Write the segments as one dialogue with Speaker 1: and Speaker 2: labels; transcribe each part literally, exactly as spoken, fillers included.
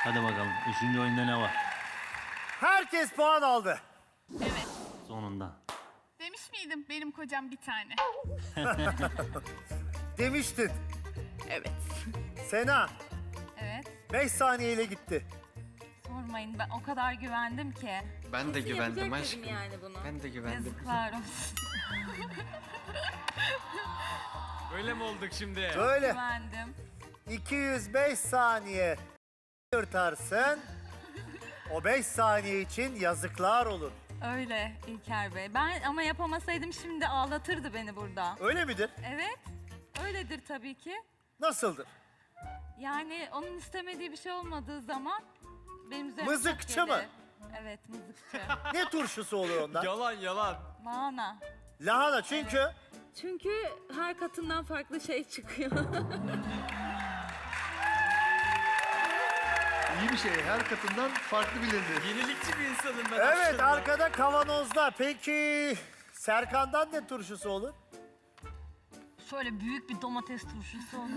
Speaker 1: Hadi bakalım. Üçüncü oyunda ne var?
Speaker 2: Herkes puan aldı.
Speaker 3: Evet.
Speaker 1: Sonunda.
Speaker 3: Demiş miydim benim kocam bir tane?
Speaker 2: Demiştin.
Speaker 3: Evet.
Speaker 2: Sena
Speaker 4: Evet.
Speaker 2: beş saniyeyle gitti.
Speaker 4: Sormayın, ben o kadar güvendim ki.
Speaker 5: Ben de güvendim
Speaker 6: Yapacak
Speaker 5: aşkım.
Speaker 6: dedim yani bunu.
Speaker 5: Ben de güvendim.
Speaker 4: Yazıklar olsun.
Speaker 5: Öyle mi olduk şimdi?
Speaker 2: Böyle
Speaker 4: Güvendim.
Speaker 2: iki yüz beş saniye yırtarsın. O beş saniye için yazıklar olur.
Speaker 4: Öyle İlker Bey. Ben ama yapamasaydım şimdi ağlatırdı beni burada.
Speaker 2: Öyle midir?
Speaker 4: Evet. Öyledir tabii ki.
Speaker 2: Nasıldır?
Speaker 4: Yani onun istemediği bir şey olmadığı zaman benim üzerime
Speaker 2: Mızıkçı
Speaker 4: çok
Speaker 2: mı?
Speaker 4: gelir. Evet, mızıkçı.
Speaker 2: Ne turşusu olur ondan?
Speaker 5: Yalan yalan.
Speaker 4: Lahana.
Speaker 2: Lahana çünkü
Speaker 6: Çünkü her katından farklı şey çıkıyor.
Speaker 7: İyi bir şey. Her katından farklı bilinir.
Speaker 5: Yenilikçi bir insanım ben.
Speaker 2: evet
Speaker 5: aslında.
Speaker 2: arkada kavanozda. Peki Serkan'dan ne turşusu olur?
Speaker 4: Şöyle büyük bir domates turşusu olur.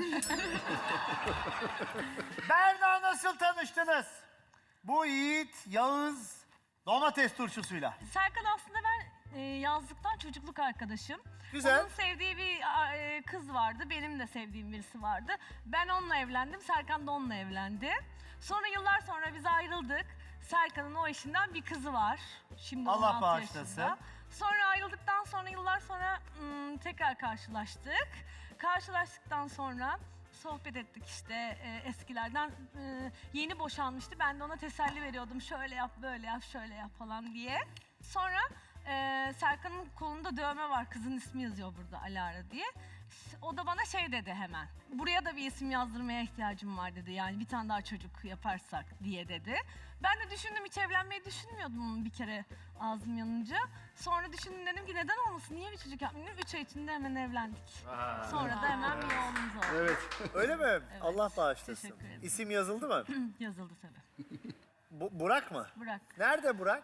Speaker 2: Berna nasıl tanıştınız? Bu Yiğit, Yağız domates turşusuyla.
Speaker 4: Serkan aslında ben e, yazlıktan çocukluk arkadaşım.
Speaker 2: Güzel.
Speaker 4: Onun sevdiği bir a, e, kız vardı, benim de sevdiğim birisi vardı. Ben onunla evlendim, Serkan da onunla evlendi. Sonra yıllar sonra biz ayrıldık. Serkan'ın o eşinden bir kızı var. Şimdi
Speaker 2: Allah
Speaker 4: on altı
Speaker 2: bağışlasın.
Speaker 4: yaşında. Sonra ayrıldıktan sonra yıllar sonra ım, tekrar karşılaştık. Karşılaştıktan sonra sohbet ettik işte e, eskilerden. E, yeni boşanmıştı. Ben de ona teselli veriyordum. Şöyle yap, böyle yap, şöyle yap falan diye. Sonra e, Serkan'ın kolunda dövme var. Kızın ismi yazıyor burada, Alara diye. O da bana şey dedi hemen. Buraya da bir isim yazdırmaya ihtiyacım var dedi. Yani bir tane daha çocuk yaparsak diye dedi. Ben de düşündüm, hiç evlenmeyi düşünmüyordum bir kere ağzım yanınca. Sonra düşündüm, dedim ki neden olmasın, niye bir çocuk yapmayayım? Üç ay içinde hemen evlendik. Sonra da hemen bir oğlumuz oldu.
Speaker 7: Evet.
Speaker 2: Öyle mi? Allah bağışlasın.
Speaker 4: Teşekkür ederim.
Speaker 2: İsim yazıldı mı?
Speaker 4: Yazıldı tabii.
Speaker 2: Bu, Burak mı?
Speaker 4: Bırak.
Speaker 2: Nerede Burak?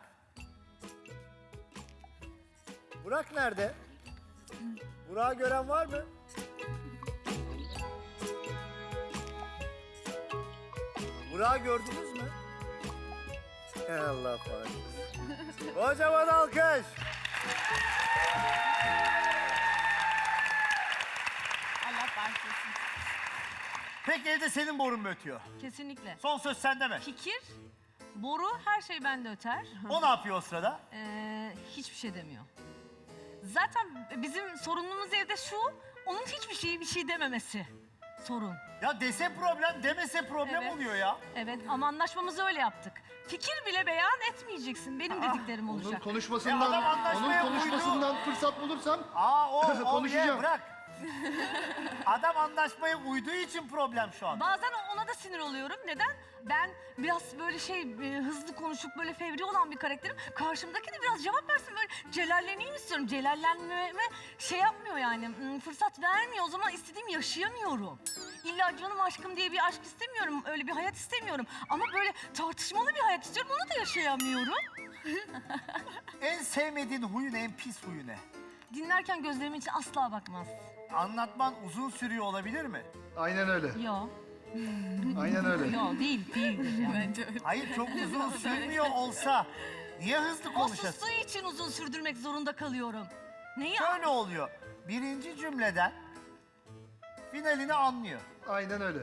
Speaker 2: Burak nerede? Burak'ı gören var mı? Burak'ı gördünüz mü? Allah bağışlasın. Kocaman alkış.
Speaker 4: Allah bağışlasın.
Speaker 2: Peki evde senin borun mu ötüyor?
Speaker 4: Kesinlikle.
Speaker 2: Son söz sende mi?
Speaker 4: Fikir, boru her şey bende öter.
Speaker 2: O ne yapıyor o sırada?
Speaker 4: Ee, hiçbir şey demiyor. Zaten bizim sorunumuz evde şu, onun hiçbir şeyi bir şey dememesi sorun.
Speaker 2: Ya dese problem, demese problem
Speaker 4: Evet.
Speaker 2: oluyor ya.
Speaker 4: Evet ama anlaşmamızı öyle yaptık. Fikir bile beyan etmeyeceksin, benim dediklerim
Speaker 7: Onun
Speaker 4: olacak.
Speaker 2: Ya
Speaker 7: konuşmasından,
Speaker 2: adam anlaşmaya
Speaker 7: onun
Speaker 2: uydu.
Speaker 7: konuşmasından fırsat bulursam
Speaker 2: Aa o, o
Speaker 7: Konuşacağım.
Speaker 2: ye, bırak. Adam anlaşmaya uyduğu için problem şu an.
Speaker 4: Bazen ona da sinir oluyorum. Neden? Ben biraz böyle şey e, hızlı konuşup böyle fevri olan bir karakterim. Karşımdaki de biraz cevap versin, böyle celalleneyim istiyorum. Celallenmeme şey yapmıyor yani, hmm, fırsat vermiyor. O zaman istediğimi yaşayamıyorum. İlla canım aşkım diye bir aşk istemiyorum. Öyle bir hayat istemiyorum. Ama böyle tartışmalı bir hayat istiyorum. Onu da yaşayamıyorum.
Speaker 2: En sevmediğin huyun, en pis huyu ne?
Speaker 4: Dinlerken gözlerimin içine asla bakmaz.
Speaker 2: Anlatman uzun sürüyor olabilir mi?
Speaker 7: aynen öyle.
Speaker 4: Yo,
Speaker 7: Aynen öyle.
Speaker 4: yo değil, değildir yani.
Speaker 2: Hayır çok uzun sürmüyor olsa niye hızlı
Speaker 4: O
Speaker 2: konuşasın?
Speaker 4: sustuğu için uzun sürdürmek zorunda kalıyorum. Neyi?
Speaker 2: Şöyle oluyor. Birinci cümleden finalini anlıyor.
Speaker 7: Aynen öyle.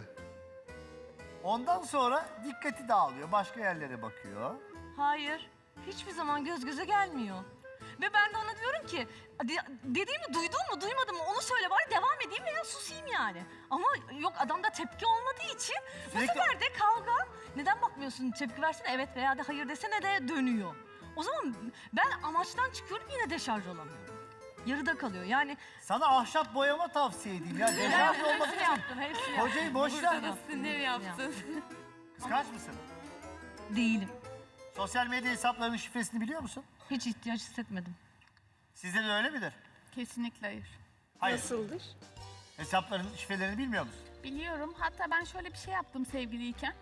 Speaker 2: Ondan sonra dikkati dağılıyor. Başka yerlere bakıyor.
Speaker 4: Hayır, hiçbir zaman göz göze gelmiyor. Ve ben de ona diyorum ki, de- dediğimi duydun mu, duymadın mı onu söyle, bari devam edeyim veya susayım yani. Ama yok, adamda tepki olmadığı için bu
Speaker 2: Sürekli-
Speaker 4: sefer de kavga, neden bakmıyorsun, tepki versene evet veya da hayır desene de dönüyor. O zaman ben amaçtan çıkıyorum, yine deşarj olamıyorum. Yarıda kalıyor yani.
Speaker 2: Sana ahşap boyama tavsiye edeyim ya. Deşarj olmak
Speaker 4: Hepsini
Speaker 2: için.
Speaker 4: yaptım, hepsini yaptım.
Speaker 2: Hocayı boş ver.
Speaker 4: Sinir yaptın.
Speaker 2: Kıskanç mısın?
Speaker 4: Değilim.
Speaker 2: Sosyal medya hesaplarının şifresini biliyor musun?
Speaker 4: Hiç ihtiyaç hissetmedim.
Speaker 2: Sizde de öyle midir?
Speaker 3: Kesinlikle hayır.
Speaker 2: Hayır.
Speaker 6: Nasıldır?
Speaker 2: Hesapların şifrelerini bilmiyor musun?
Speaker 3: Biliyorum. Hatta ben şöyle bir şey yaptım sevgiliyken.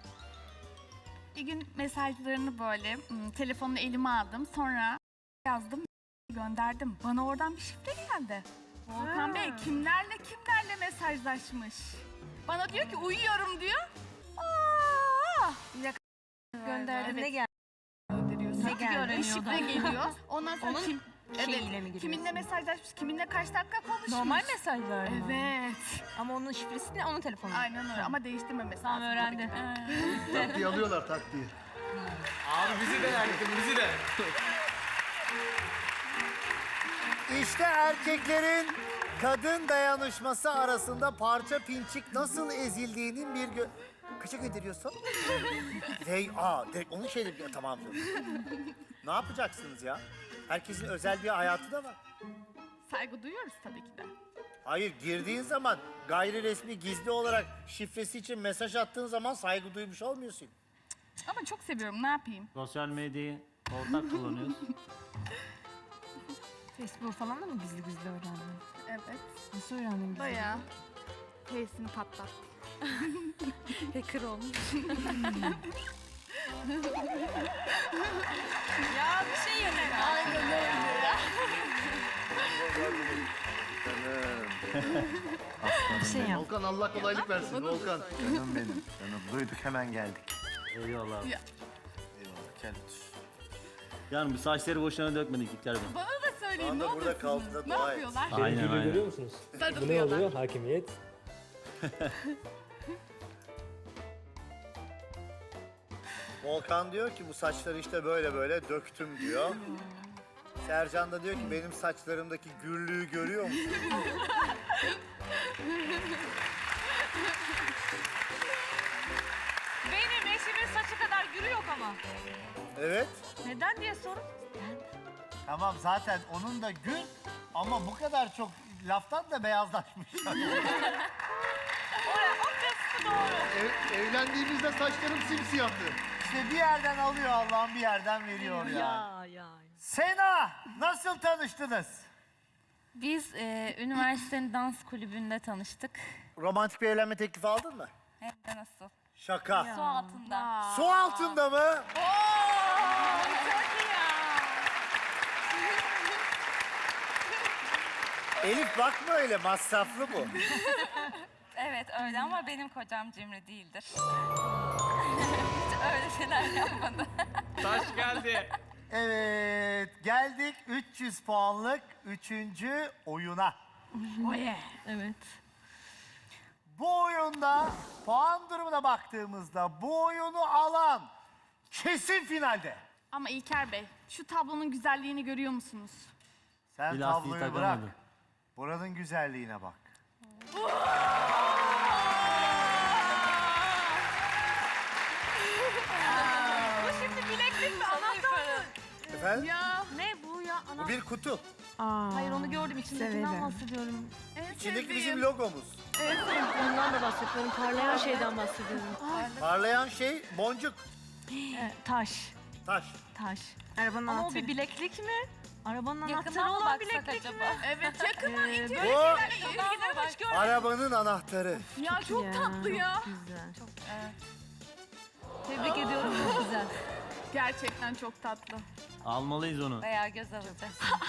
Speaker 3: Bir gün mesajlarını böyle hmm, telefonunu elime aldım. Sonra yazdım, gönderdim. Bana oradan bir şifre geldi. Volkan Bey kimlerle kimlerle mesajlaşmış. Bana diyor ki uyuyorum diyor. Aa!
Speaker 4: Gönderdim. Ne geldi?
Speaker 3: Gönderiyorsun.
Speaker 4: Ne geldi?
Speaker 3: Ve şifre geliyor. Ondan sonra
Speaker 4: Onun
Speaker 3: kim,
Speaker 4: şeyiyle
Speaker 3: evet,
Speaker 4: mi giriyorsun?
Speaker 3: kiminle mesajlaşmış, kiminle kaç dakika konuşmuş.
Speaker 4: Normal mesajlar mı?
Speaker 3: Evet.
Speaker 4: Ama onun şifresi ne? Onun telefonu.
Speaker 3: Aynen öyle ama değiştirmemesi
Speaker 4: Tamam,
Speaker 3: lazım.
Speaker 4: öğrendim.
Speaker 3: tabii ki.
Speaker 7: Taktiği alıyorlar taktiği.
Speaker 5: Abi bizi de yaktın bizi de.
Speaker 2: İşte erkeklerin kadın dayanışması arasında parça pinçik nasıl ezildiğinin bir gö... Kaça gönderiyorsun? Hey, aa, direkt onun şeyleri... Ya, tamam. dur. Ne yapacaksınız ya? Herkesin özel bir hayatı da var.
Speaker 3: Saygı duyuyoruz tabii ki de.
Speaker 2: Hayır, girdiğin zaman gayri resmi gizli olarak şifresi için mesaj attığın zaman saygı duymuş olmuyorsun.
Speaker 3: Ama çok seviyorum, ne yapayım?
Speaker 1: Sosyal medyayı ortak kullanıyoruz.
Speaker 4: Facebook falan da mı gizli gizli öğrendin?
Speaker 3: Evet.
Speaker 4: Nasıl öğrendin gizli?
Speaker 3: Bayağı. Face'ini patlat.
Speaker 6: Hacker olmuş.
Speaker 4: Ya bir şey yemek.
Speaker 3: Aynen öyle.
Speaker 4: Bir şey yap.
Speaker 7: Volkan Allah kolaylık versin Volkan.
Speaker 8: Canım benim. Canım duyduk hemen geldik.
Speaker 1: Eyvallah.
Speaker 3: Ya.
Speaker 8: Eyvallah gel otur.
Speaker 1: Yani bu saçları boşuna dökmedik İlker Bey.
Speaker 3: Bana da söyleyin, ne
Speaker 2: Anda burada
Speaker 3: yapıyorsunuz?
Speaker 2: kaldı da
Speaker 3: Ne
Speaker 2: dua et.
Speaker 3: yapıyorlar?
Speaker 1: Aynen
Speaker 9: Benimkiyle
Speaker 1: aynen.
Speaker 9: görüyor musunuz? Bu ne
Speaker 3: Sarılıyorlar.
Speaker 9: oluyor? Hakimiyet.
Speaker 2: Volkan diyor ki bu saçları işte böyle böyle döktüm diyor. Sercan da diyor ki benim saçlarımdaki gürlüğü görüyor musun?
Speaker 4: Benim eşimin saçı kadar gürü yok ama.
Speaker 2: Evet.
Speaker 4: Neden diye sorun.
Speaker 2: Tamam zaten onun da gül ama bu kadar çok laftan da beyazlaşmış.
Speaker 4: Oraya o kısmı doğru.
Speaker 7: Ev, evlendiğimizde saçlarım simsiyahtı.
Speaker 2: İşte bir yerden alıyor Allah'ım bir yerden veriyor ya.
Speaker 4: Ya ya.
Speaker 2: Sena nasıl tanıştınız?
Speaker 10: Biz e, üniversitenin dans kulübünde tanıştık.
Speaker 2: Romantik bir evlenme teklifi aldın mı?
Speaker 10: Hem de nasıl?
Speaker 2: Şaka.
Speaker 10: Su altında.
Speaker 2: Su altında mı? Elif bakma öyle masraflı bu.
Speaker 10: Evet öyle ama benim kocam cimri değildir. Hiç öyle şeyler yapmadı.
Speaker 5: Taş geldi.
Speaker 2: Evet geldik üç yüz puanlık üçüncü oyuna.
Speaker 4: Evet.
Speaker 2: Bu oyunda puan durumuna baktığımızda bu oyunu alan kesin finalde.
Speaker 3: Ama İlker Bey, şu tablonun güzelliğini görüyor musunuz?
Speaker 2: Sen
Speaker 1: Bir lastiği
Speaker 2: tabloyu bırak.
Speaker 1: takamadı.
Speaker 2: Buranın güzelliğine bak.
Speaker 4: Bu şimdi bileklik mi? Anahtar mı?
Speaker 2: Efendim?
Speaker 3: Ya.
Speaker 4: Ne bu ya?
Speaker 2: Bu
Speaker 4: Anahtar.
Speaker 2: bir kutu.
Speaker 4: Hayır onu gördüm. İçindekinden bahsediyorum.
Speaker 3: En
Speaker 2: İçindeki
Speaker 3: sevdiğim.
Speaker 2: bizim logomuz.
Speaker 6: Ondan da bahsediyorum. Parlayan şeyden bahsediyorum.
Speaker 2: Parlayan şey boncuk,
Speaker 4: Evet, taş.
Speaker 2: taş.
Speaker 4: Taş.
Speaker 6: Arabanın
Speaker 4: Ama o
Speaker 6: anahtarı.
Speaker 4: bir bileklik mi? Arabanın anahtarı
Speaker 10: Yakından mı
Speaker 4: olan
Speaker 10: baksak
Speaker 4: bileklik
Speaker 10: acaba?
Speaker 4: mi?
Speaker 3: Evet, yakından
Speaker 4: Ee,
Speaker 3: itiyor.
Speaker 2: Bu
Speaker 4: Yakından hoş gördüm.
Speaker 2: arabanın anahtarı.
Speaker 3: Ya çok tatlı ya.
Speaker 4: Güzel. Çok, evet. Tebrik ediyorum. Çok güzel.
Speaker 3: Gerçekten çok tatlı.
Speaker 1: Almalıyız onu.
Speaker 10: Bayağı göz alıcı.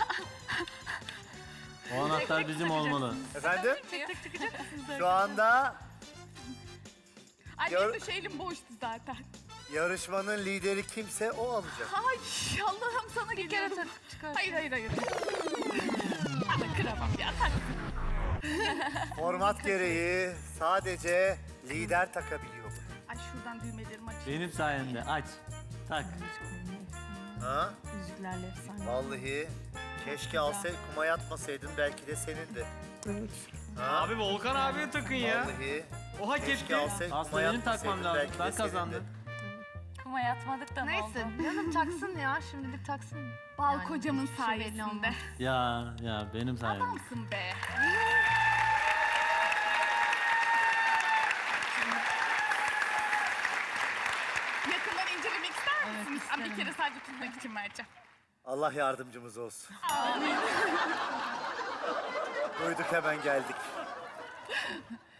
Speaker 1: O anahtar bizim olmalı.
Speaker 2: Efendim?
Speaker 4: Tek tek çıkacak mısınız?
Speaker 2: Şu anda
Speaker 3: Ay
Speaker 2: Gör-
Speaker 3: benim de şu elim boştu zaten.
Speaker 2: yarışmanın lideri kimse o alacak.
Speaker 3: Ay Allah'ım sana
Speaker 4: Bir kere
Speaker 3: geliyorum.
Speaker 4: tak çıkar.
Speaker 3: Hayır hayır hayır. Ama kıramam ya. Tak.
Speaker 2: Format gereği sadece lider takabiliyor bunu.
Speaker 3: Ay şuradan düğmelerimi açayım.
Speaker 1: Benim sayemde aç. Tak.
Speaker 2: Ha?
Speaker 4: Müziklerle efsane.
Speaker 2: Vallahi keşke alsay kuma yatmasaydın belki de senindi. Ha?
Speaker 5: Abi Volkan abiye takın ya.
Speaker 2: Vallahi
Speaker 5: O hak
Speaker 2: keşke
Speaker 5: etti.
Speaker 2: alsay kuma
Speaker 1: Aslında benim
Speaker 2: yatmasaydın
Speaker 1: takmam lazım.
Speaker 2: belki de
Speaker 1: Ben
Speaker 2: senindi.
Speaker 1: kazandım.
Speaker 10: Kuma yatmadık da ne oldu?
Speaker 4: Neyse canım taksın ya. Şimdilik taksın.
Speaker 3: Bal
Speaker 4: Yani
Speaker 3: kocamın
Speaker 4: hiçbir şey belli
Speaker 3: sayesinde.
Speaker 4: olmaz.
Speaker 1: Ya ya benim sayemde.
Speaker 3: Adamsın be. Yakından incelemek ister misiniz? Ama bir kere sadece tutmak için vereceğim.
Speaker 2: Allah yardımcımız olsun. Duyduk hemen geldik.